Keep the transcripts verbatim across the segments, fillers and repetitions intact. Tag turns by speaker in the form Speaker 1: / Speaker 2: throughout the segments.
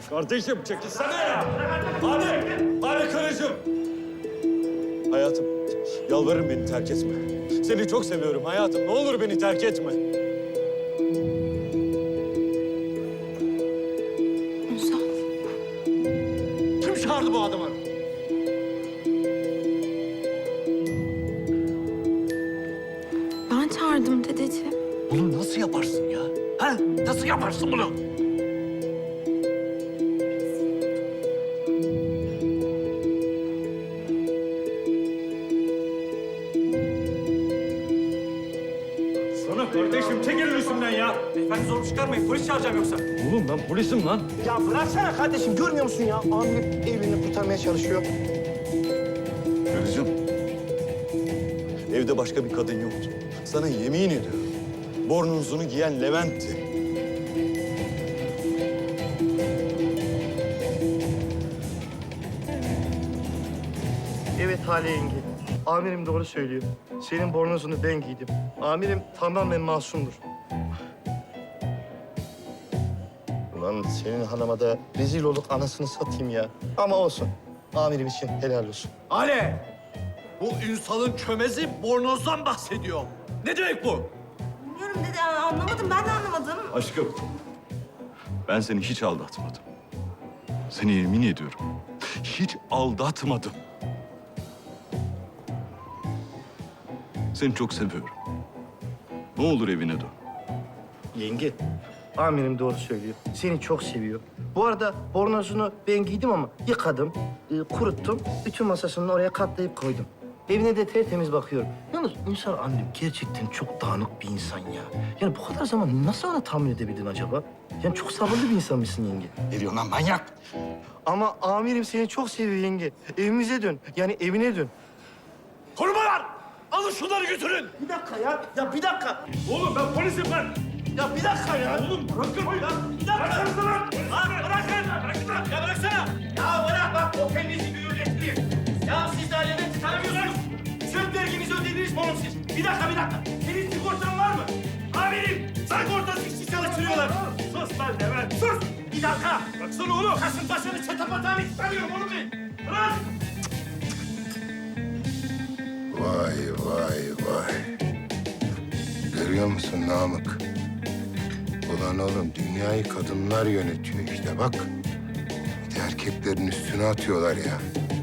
Speaker 1: Kardeşim çekilsene ya. Hadi, hadi karıcığım. Hayatım, yalvarırım beni terk etme. Seni çok seviyorum hayatım. Ne olur beni terk etme.
Speaker 2: Ünsal.
Speaker 1: Kim çağırdı bu adamı?
Speaker 2: Ben çağırdım dedeciğim.
Speaker 3: Bunu nasıl yaparsın ya? Ha? Nasıl yaparsın bunu?
Speaker 1: Sana kardeşim çekilin üstümden ya.
Speaker 4: Beyefendi zor çıkarmayın. Polis çağıracağım yoksa.
Speaker 1: Oğlum ben polisim lan.
Speaker 5: Ya bıraksana kardeşim, görmüyor musun ya? Amirim evliliğini kurtarmaya çalışıyor.
Speaker 1: Karıcığım, evde başka bir kadın yoktu. Sana yemin ediyorum. Bornozunu giyen Levent'ti.
Speaker 5: Evet Hale yenge. Amirim doğru söylüyor. Senin bornozunu ben giydim. Amirim tamamen masumdur. Ulan senin hanıma da rezil olup anasını satayım ya. Ama olsun. Amirim için helal olsun.
Speaker 3: Ale! Bu Ünsal'ın çömezi bornozdan bahsediyor. Ne demek bu?
Speaker 2: Bilmiyorum dede, anlamadım. Ben de anlamadım.
Speaker 1: Aşkım, ben seni hiç aldatmadım. Seni yemin ediyorum, hiç aldatmadım. Seni çok seviyorum. Ne olur evine dön.
Speaker 5: Yenge, amirim doğru söylüyor. Seni çok seviyor. Bu arada bornozunu ben giydim ama yıkadım, e, kuruttum. Bütün masasını oraya katlayıp koydum. Evine de tertemiz bakıyorum. Yalnız Ünsal annem gerçekten çok dağınık bir insan ya. Yani bu kadar zaman nasıl ona tahammül edebildin acaba? Yani çok sabırlı bir insan mısın yenge?
Speaker 3: Ne diyorsun lan manyak?
Speaker 5: Ama amirim seni çok seviyor yenge. Evimize dön. Yani evine dön.
Speaker 3: Korumalar! Alın şunları götürün!
Speaker 5: Bir dakika ya. Ya bir dakika.
Speaker 1: Oğlum ben polisim ben.
Speaker 5: Ya bir dakika ya.
Speaker 1: Oğlum bırakın ya.
Speaker 5: Bir dakika.
Speaker 1: Bırakın lan.
Speaker 5: Lan bırakın. Bırakın lan. Ya bıraksana. Ya bırak bak o kendisi gürültüyor. Ya siz daha Levent'i tanımıyorsunuz. Söz verginizi ödediniz mi oğlum siz? Bir dakika bir dakika. Senin sigortan var mı? Amirim sigortası işçi çalıştırıyorlar.
Speaker 1: Sus lan Levent.
Speaker 5: Sus. Bir dakika.
Speaker 1: Baksana oğlum.
Speaker 5: Kasımpaşa'nın çatapatağını istemiyorum oğlum ben. Bırak.
Speaker 6: Vay vay vay. Görüyor musun Namık? Ulan oğlum dünyayı kadınlar yönetiyor işte bak. Bir de erkeklerin üstüne atıyorlar ya.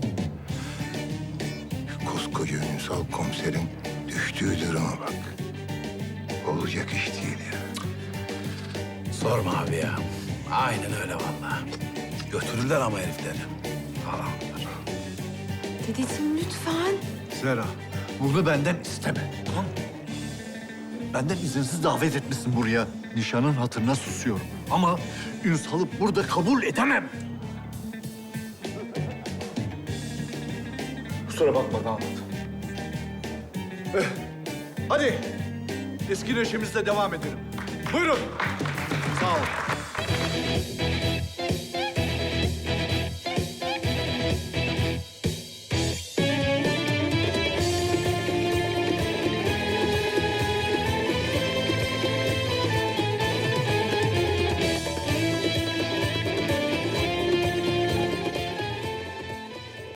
Speaker 6: Koskoca Ünsal komiserin düştüğü duruma bak. Olacak iş değil ya.
Speaker 3: Sorma abi ya. Aynen öyle vallahi. Götürürler ama herifleri. Falan.
Speaker 2: Dedeciğim lütfen.
Speaker 3: Zera, bunu benden isteme. Tamam mı? Benden izinsiz davet etmişsin buraya. Nişanın hatırına susuyorum. Ama Ünsal'ı burada kabul edemem. Kusura bakma damat. Eh, hadi eski neşemizle devam edelim. Buyurun. Sağ ol.